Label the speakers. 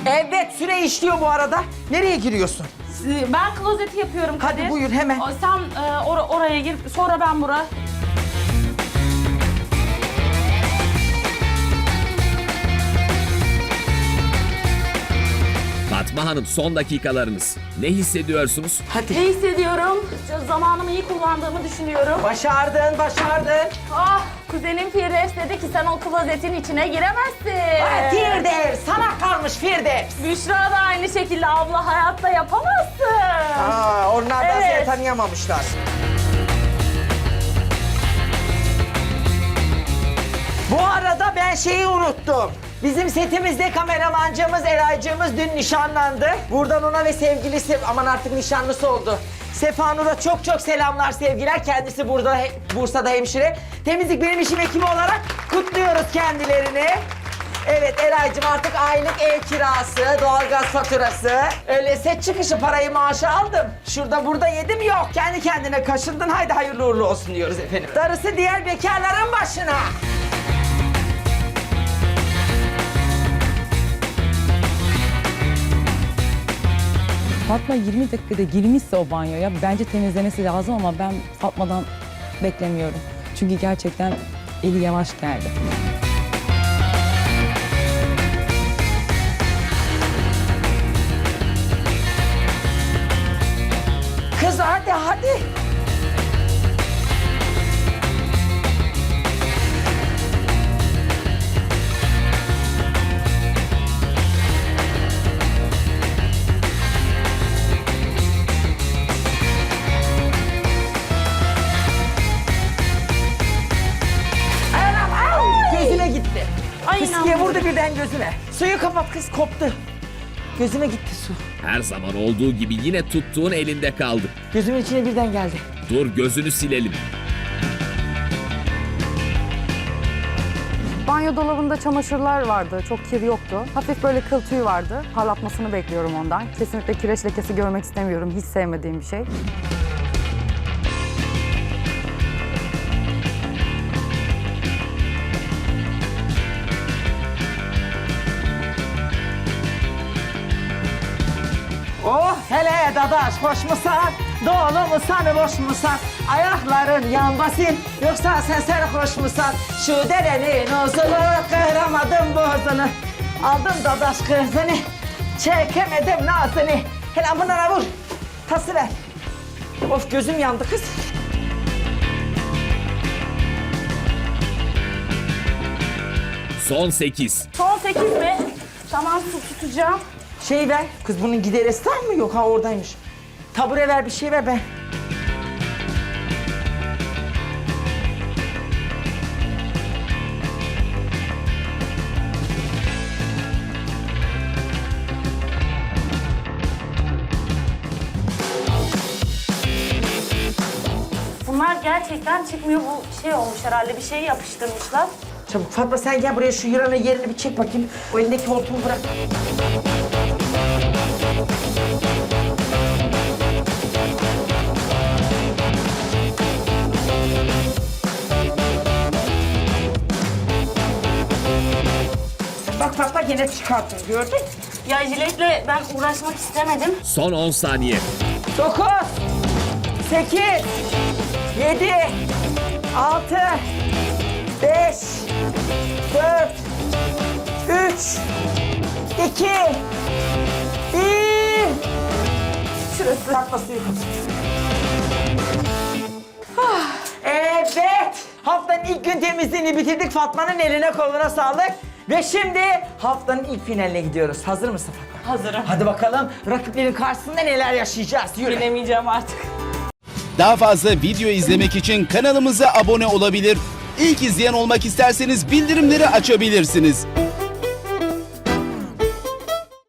Speaker 1: Evet, süre işliyor bu arada. Nereye giriyorsun?
Speaker 2: Ben klozeti yapıyorum Kadir.
Speaker 1: Hadi buyur hemen.
Speaker 2: Sen oraya gir, sonra ben buraya.
Speaker 3: Fatma Hanım, son dakikalarınız. Ne hissediyorsunuz?
Speaker 1: Hadi.
Speaker 2: Ne hissediyorum? Zamanımı iyi kullandığımı düşünüyorum.
Speaker 1: Başardın, başardın.
Speaker 2: Ah, kuzenim Firdevs dedi ki sen o klozetin içine giremezsin.
Speaker 1: Firdevs, sana kalmış Firdevs.
Speaker 2: Büşra da aynı şekilde abla hayatta yapamazsın.
Speaker 1: Onlar da
Speaker 2: Evet.
Speaker 1: seni tanıyamamışlar. Bu arada ben şeyi unuttum. Bizim setimizde kameramancımız, Eraycığımız dün nişanlandı. Buradan ona ve sevgilisi, aman artık nişanlısı oldu, Sefa Nur'a çok çok selamlar, sevgiler. Kendisi burada, Bursa'da hemşire. Temizlik Benim İşim ekibi olarak kutluyoruz kendilerini. Evet Eraycığım, artık aylık ev kirası, doğalgaz faturası. Öyle set çıkışı parayı, maaşı aldım. Şurada burada yedim yok. Kendi kendine kaşındın, haydi hayırlı uğurlu olsun diyoruz efendim. Darısı diğer bekarların başına.
Speaker 4: Fatma 20 dakikada girmişse o banyoya bence temizlemesi lazım ama ben Fatma'dan beklemiyorum. Çünkü gerçekten eli yavaş geldi.
Speaker 1: Kız hadi hadi. Anam, au! Gözüme gitti.
Speaker 2: Ay,
Speaker 1: Fıskiye
Speaker 2: inanmıyorum.
Speaker 1: vurdu birden gözüme. Suyu kapat kız, koptu. Gözüme gitti su.
Speaker 3: Her zaman olduğu gibi yine tuttuğun elinde kaldı.
Speaker 1: Gözümün içine birden geldi.
Speaker 3: Dur, gözünü silelim.
Speaker 5: Banyo dolabında çamaşırlar vardı. Çok kir yoktu. Hafif böyle kıl tüyü vardı. Parlatmasını bekliyorum ondan. Kesinlikle kireç lekesi görmek istemiyorum. Hiç sevmediğim bir şey.
Speaker 1: Oh hele dadaş, hoş musan? Dolu musan, boş musan? Ayakların yan basın, yoksa sen sarhoş musan? Şu derenin uzunu, kıramadım bozunu. Aldım dadaş kızını, çekemedim nazını. Hele bunlara vur, tası ver. Of, gözüm yandı kız.
Speaker 3: Son 8.
Speaker 2: Son 8 mi? Tamam, su tutacağım.
Speaker 1: Şey ver, kız bunun gideresi var mı? Yok ha, oradaymış. Tabure ver, bir şey ver ben.
Speaker 2: Bunlar gerçekten çıkmıyor. Bu şey olmuş herhalde, bir şey yapıştırmışlar.
Speaker 1: Çabuk Fatma, sen gel buraya, şu yılanın yerini bir çek bakayım. O elindeki hortumu bırak. Bak Fatma, gene çıkarttın, gördün.
Speaker 2: Ya jiletle ben uğraşmak istemedim.
Speaker 3: Son 10 saniye.
Speaker 1: 9, 8, 7, 6, 5, 4, 3, 2, 1. Şurası. Takma suyu kapat. Evet. Haftanın ilk gün temizliğini bitirdik. Fatma'nın eline koluna sağlık. Ve şimdi haftanın ilk finaline gidiyoruz. Hazır mısın Fatma?
Speaker 2: Hazırım.
Speaker 1: Hadi bakalım rakiplerin karşısında neler yaşayacağız. Yürü.
Speaker 2: Bilemeyeceğim artık.
Speaker 6: Daha fazla video izlemek için kanalımıza abone olabilir. İlk izleyen olmak isterseniz bildirimleri açabilirsiniz.